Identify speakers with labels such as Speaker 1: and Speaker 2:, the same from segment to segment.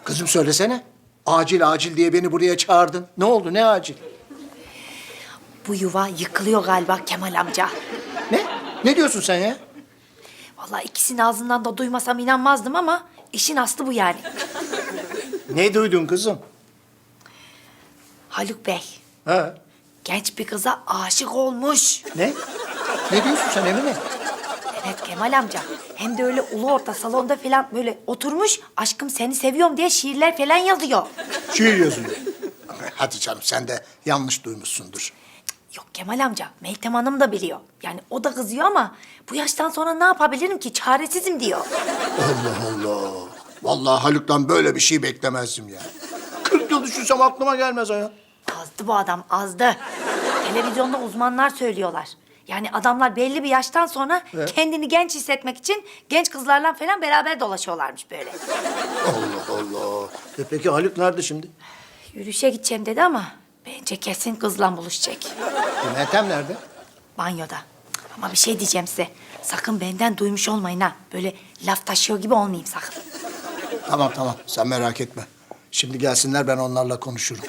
Speaker 1: Kızım söylesene. Acil acil diye beni buraya çağırdın. Ne oldu, ne acil?
Speaker 2: Bu yuva yıkılıyor galiba Kemal amca.
Speaker 1: Ne? Ne diyorsun sen ya?
Speaker 2: Vallahi ikisinin ağzından da duymasam inanmazdım ama işin aslı bu yani.
Speaker 1: Ne duydun kızım?
Speaker 2: Haluk Bey
Speaker 1: Ha?
Speaker 2: genç bir kıza aşık olmuş.
Speaker 1: Ne? Ne diyorsun sen Emine?
Speaker 2: Evet Kemal amca. Hem de öyle ulu orta salonda falan böyle oturmuş aşkım seni seviyorum diye şiirler falan yazıyor.
Speaker 1: Şiir yazıyor. Hadi canım sen de yanlış duymuşsundur.
Speaker 2: Yok Kemal amca, Meltem Hanım da biliyor. Yani o da kızıyor ama bu yaştan sonra ne yapabilirim ki? Çaresizim diyor.
Speaker 1: Allah Allah. Vallahi Haluk'tan böyle bir şey beklemezdim ya. 40 yıl düşünsem aklıma gelmez ha.
Speaker 2: Azdı bu adam, azdı. Televizyonda uzmanlar söylüyorlar. Yani adamlar belli bir yaştan sonra kendini genç hissetmek için genç kızlarla falan beraber dolaşıyorlarmış böyle.
Speaker 1: Allah Allah. Peki Haluk nerede şimdi?
Speaker 2: Yürüyüşe gideceğim dedi ama bence kesin kızla buluşacak.
Speaker 1: Meltem nerede?
Speaker 2: Banyoda. Ama bir şey diyeceğim size. Sakın benden duymuş olmayın ha. Böyle laf taşıyor gibi olmayayım sakın.
Speaker 1: Tamam tamam sen merak etme. Şimdi gelsinler ben onlarla konuşurum.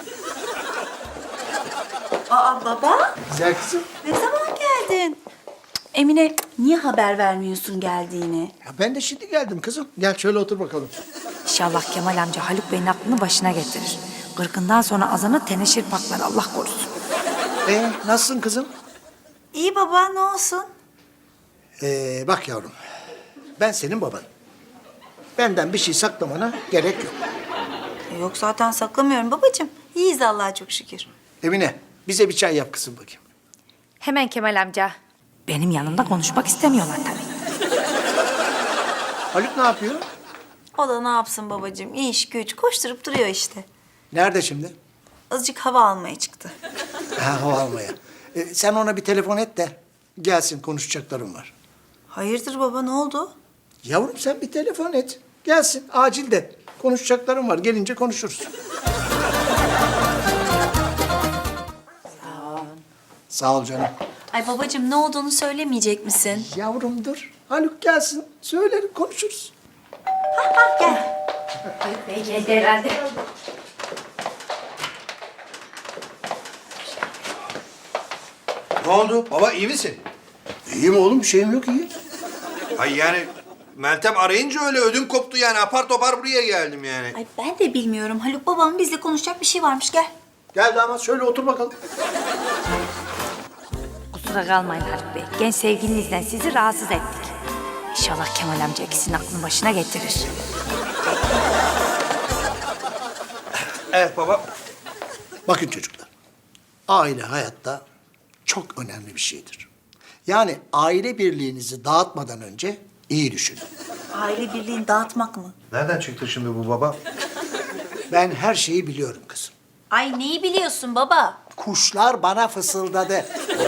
Speaker 3: Aa baba,
Speaker 1: Güzel kızım.
Speaker 3: ne zaman geldin? Emine, niye haber vermiyorsun geldiğini?
Speaker 1: Ya ben de şimdi geldim kızım. Gel şöyle otur bakalım.
Speaker 2: İnşallah Kemal amca Haluk Bey'in aklını başına getirir. Kırkından sonra azanı teneşir paklar Allah korusun.
Speaker 1: Nasılsın kızım?
Speaker 3: İyi baba, ne olsun?
Speaker 1: Bak yavrum. Ben senin babanım. Benden bir şey saklamana gerek yok.
Speaker 3: Yok zaten saklamıyorum babacığım. İyiyiz Allah'a çok şükür.
Speaker 1: Emine bize bir çay yap kızım bakayım.
Speaker 2: Hemen Kemal amca. Benim yanımda konuşmak istemiyorlar tabii.
Speaker 1: Haluk ne yapıyor?
Speaker 3: O da ne yapsın babacığım? İş güç koşturup duruyor işte.
Speaker 1: Nerede şimdi?
Speaker 3: Azıcık hava almaya çıktı.
Speaker 1: Ha, hava almaya. Sen ona bir telefon et de gelsin konuşacaklarım var.
Speaker 3: Hayırdır baba, ne oldu?
Speaker 1: Yavrum sen bir telefon et. Gelsin acil de. Konuşacaklarım var. Gelince konuşuruz. Sağ ol canım.
Speaker 3: Ay babacığım, ne olduğunu söylemeyecek misin?
Speaker 1: Yavrum dur. Haluk gelsin. Söylerim konuşuruz.
Speaker 2: Haluk Bey geldi herhalde.
Speaker 4: Ne oldu? Baba iyi misin?
Speaker 1: İyiyim oğlum bir şeyim yok iyi.
Speaker 4: Ay yani Meltem arayınca öyle ödüm koptu yani. Apar topar buraya geldim yani.
Speaker 3: Ay ben de bilmiyorum. Haluk babam bizle konuşacak bir şey varmış, gel.
Speaker 1: Gel damat şöyle otur bakalım.
Speaker 2: Kusura kalmayın Haluk Bey. Genç sevgilinizden sizi rahatsız ettik. İnşallah Kemal amca ikisinin aklını başına getirir.
Speaker 4: Evet baba.
Speaker 1: Bakın çocuklar. Aile hayatta çok önemli bir şeydir. Yani aile birliğinizi dağıtmadan önce iyi düşünün.
Speaker 3: Aile birliğini dağıtmak mı?
Speaker 4: Nereden çıktı şimdi bu baba?
Speaker 1: Ben her şeyi biliyorum kızım.
Speaker 3: Ay neyi biliyorsun baba?
Speaker 1: Kuşlar bana fısıldadı.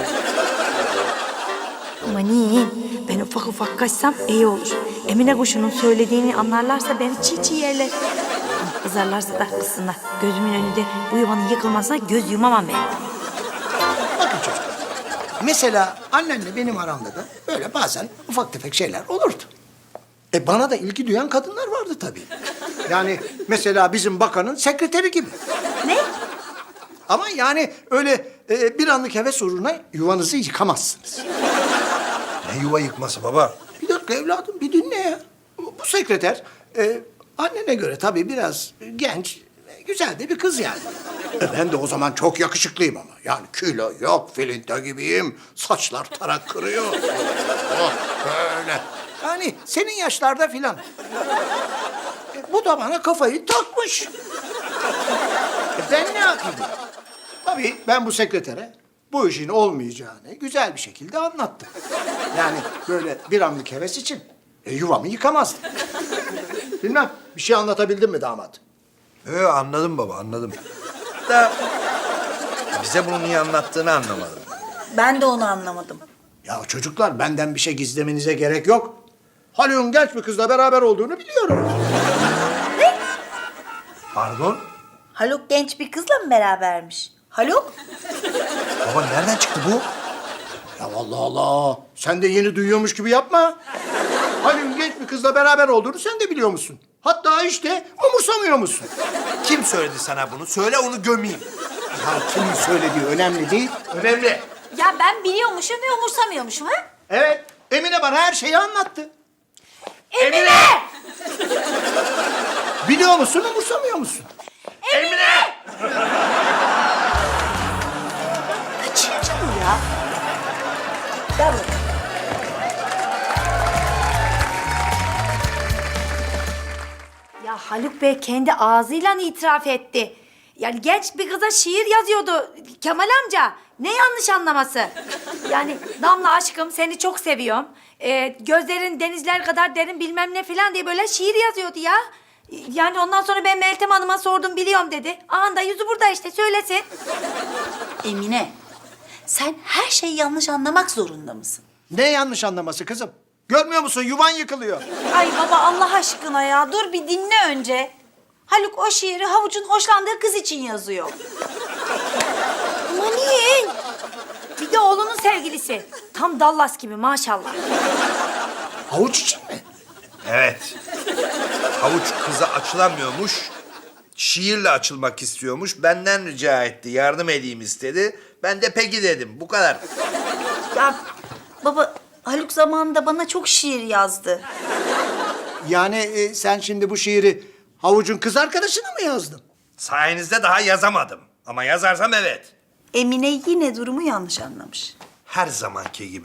Speaker 2: Amanın ben ufak ufak kaçsam iyi olur. Emine kuşunun söylediğini anlarlarsa beni çiğ çiğ yerler. Kızarlarsa da kızsınlar. Gözümün önünde bu yuvanın yıkılmasına göz yumamam ben.
Speaker 1: Bakın çocuklar. Mesela annenle benim aramda da böyle bazen ufak tefek şeyler olurdu. Bana da ilgi duyan kadınlar vardı tabii. Yani mesela bizim bakanın sekreteri gibi.
Speaker 3: Ne?
Speaker 1: Ama yani öyle bir anlık heves uğruna yuvanızı yıkamazsınız.
Speaker 4: Ne yuva yıkması baba?
Speaker 1: Bir dakika evladım bir dinle ya. Bu sekreter annene göre tabii biraz genç, güzel de bir kız yani. Ben de o zaman çok yakışıklıyım ama. Yani kilo yok, filinta gibiyim. Saçlar tarak kırıyor. Oh, böyle. Yani senin yaşlarda filan. Bu da bana kafayı takmış. Ben ne yapayım? Tabii ben bu sekretere bu işin olmayacağını güzel bir şekilde anlattım. Yani böyle bir anlık heves için yuvamı yıkamazdım. Bilmem bir şey anlatabildim mi damat?
Speaker 4: Anladım baba anladım. Da bize bunu niye anlattığını anlamadım.
Speaker 3: Ben de onu anlamadım.
Speaker 1: Ya çocuklar benden bir şey gizlemenize gerek yok. Haluk'un genç bir kızla beraber olduğunu biliyorum.
Speaker 4: Pardon?
Speaker 3: Haluk genç bir kızla mı berabermiş? Haluk?
Speaker 4: Baba nereden çıktı bu?
Speaker 1: Ya Allah Allah. Sen de yeni duyuyormuş gibi yapma. Haluk'un genç bir kızla beraber olduğunu sen de biliyor musun? Hatta işte umursamıyor musun?
Speaker 4: Kim söyledi sana bunu? Söyle onu gömeyim.
Speaker 1: Ya kimin söylediği önemli değil.
Speaker 4: Önemli.
Speaker 3: Ya ben biliyormuşum ve umursamıyormuşum ha?
Speaker 1: Evet, Emine bana her şeyi anlattı.
Speaker 3: Emine!
Speaker 1: Biliyor musun, umursamıyor musun?
Speaker 4: Emine!
Speaker 3: Kaçıncı bu ya? Gel bakalım.
Speaker 2: Ya Haluk Bey kendi ağzıyla itiraf etti. Yani genç bir kıza şiir yazıyordu Kemal amca. Ne yanlış anlaması? Yani Damla aşkım seni çok seviyorum. Gözlerin denizler kadar derin bilmem ne falan diye böyle şiir yazıyordu ya. Yani ondan sonra ben Meltem Hanım'a sordum biliyorum dedi. Anda yüzü burada işte söylesin.
Speaker 3: Emine, sen her şeyi yanlış anlamak zorunda mısın?
Speaker 1: Ne yanlış anlaması kızım? Görmüyor musun, yuvan yıkılıyor.
Speaker 3: Ay baba Allah aşkına ya, dur bir dinle önce. Haluk o şiiri Havuç'un hoşlandığı kız için yazıyor.
Speaker 2: Amanın. Bir de oğlunun sevgilisi. Tam Dallas gibi maşallah.
Speaker 1: Havuç için mi?
Speaker 4: Evet. Havuç kıza açılamıyormuş. Şiirle açılmak istiyormuş. Benden rica etti. Yardım edeyim istedi. Ben de peki dedim. Bu kadar.
Speaker 3: Ya baba Haluk zamanında bana çok şiir yazdı.
Speaker 1: Yani sen şimdi bu şiiri Havuç'un kız arkadaşına mı yazdın?
Speaker 4: Sayenizde daha yazamadım. Ama yazarsam evet.
Speaker 3: Emine yine durumu yanlış anlamış.
Speaker 4: Her zamanki gibi.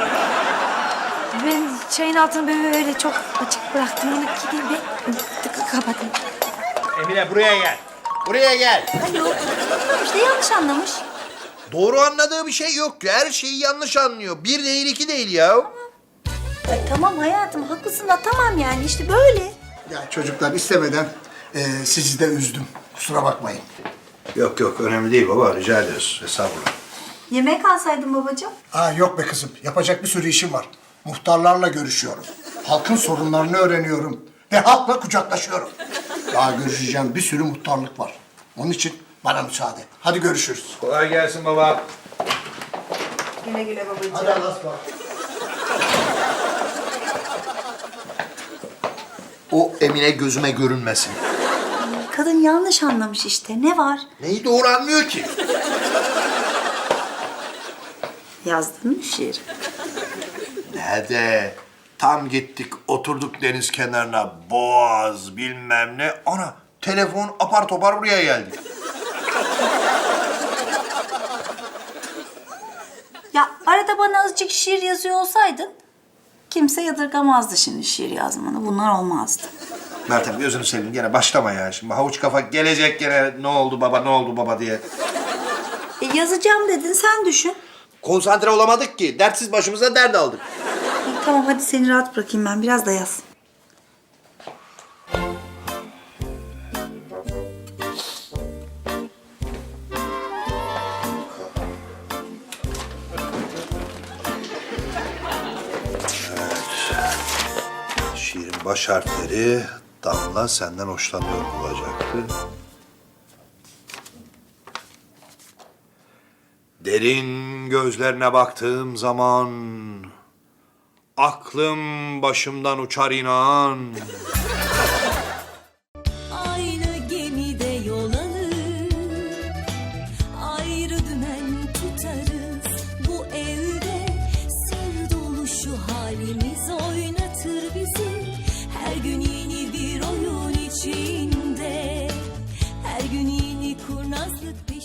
Speaker 2: Ben çayın altını böyle çok açık bıraktım. Onu gideyim bir kapatayım.
Speaker 4: Emine buraya gel. Buraya gel.
Speaker 3: Haluk işte yanlış anlamış.
Speaker 4: Doğru anladığı bir şey yok ki. Her şeyi yanlış anlıyor. Bir değil iki değil ya.
Speaker 3: Ay, tamam hayatım haklısın da tamam yani işte böyle.
Speaker 1: Ya çocuklar istemeden sizi de üzdüm. Kusura bakmayın.
Speaker 4: Yok yok önemli değil baba. Rica ediyoruz. Estağfurullah.
Speaker 3: Yemek alsaydın babacığım.
Speaker 1: Aa, yok be kızım. Yapacak bir sürü işim var. Muhtarlarla görüşüyorum. Halkın sorunlarını öğreniyorum. Ve halkla kucaklaşıyorum. Daha görüşeceğim bir sürü muhtarlık var. Onun için bana müsaade. Hadi görüşürüz.
Speaker 4: Kolay gelsin baba.
Speaker 3: Güle güle babacığım.
Speaker 1: Hadi Allah'a ısmarladık.
Speaker 4: O Emine gözüme görünmesin.
Speaker 3: Kadın yanlış anlamış işte. Ne var?
Speaker 4: Neyi doğru anlıyor ki?
Speaker 3: Yazdın mı şiir?
Speaker 4: Nerede? Tam gittik oturduk deniz kenarına. Boğaz bilmem ne. Ana telefon apar topar buraya geldi.
Speaker 3: Ya arada bana azıcık şiir yazıyor olsaydın kimse yadırgamazdı şimdi şiir yazmanı. Bunlar olmazdı.
Speaker 4: Meltem gözünü seveyim gene başlama ya. Şimdi havuç kafa gelecek gene ne oldu baba ne oldu baba diye.
Speaker 3: Yazacağım dedin sen düşün.
Speaker 4: Konsantre olamadık ki. Dertsiz başımıza dert aldık.
Speaker 3: Tamam hadi seni rahat bırakayım ben biraz da yaz.
Speaker 4: Şiirin baş harfleri Damla senden hoşlanıyor olacaktı. Derin gözlerine baktığım zaman aklım başımdan uçar inan.
Speaker 5: Aynı gemide yol alır, ayrı dümen tutarız. Bu evde sır dolu şu halimiz oynatır bizi. Her gün yeni bir oyun içinde, her gün yeni kurnazlık peşinde.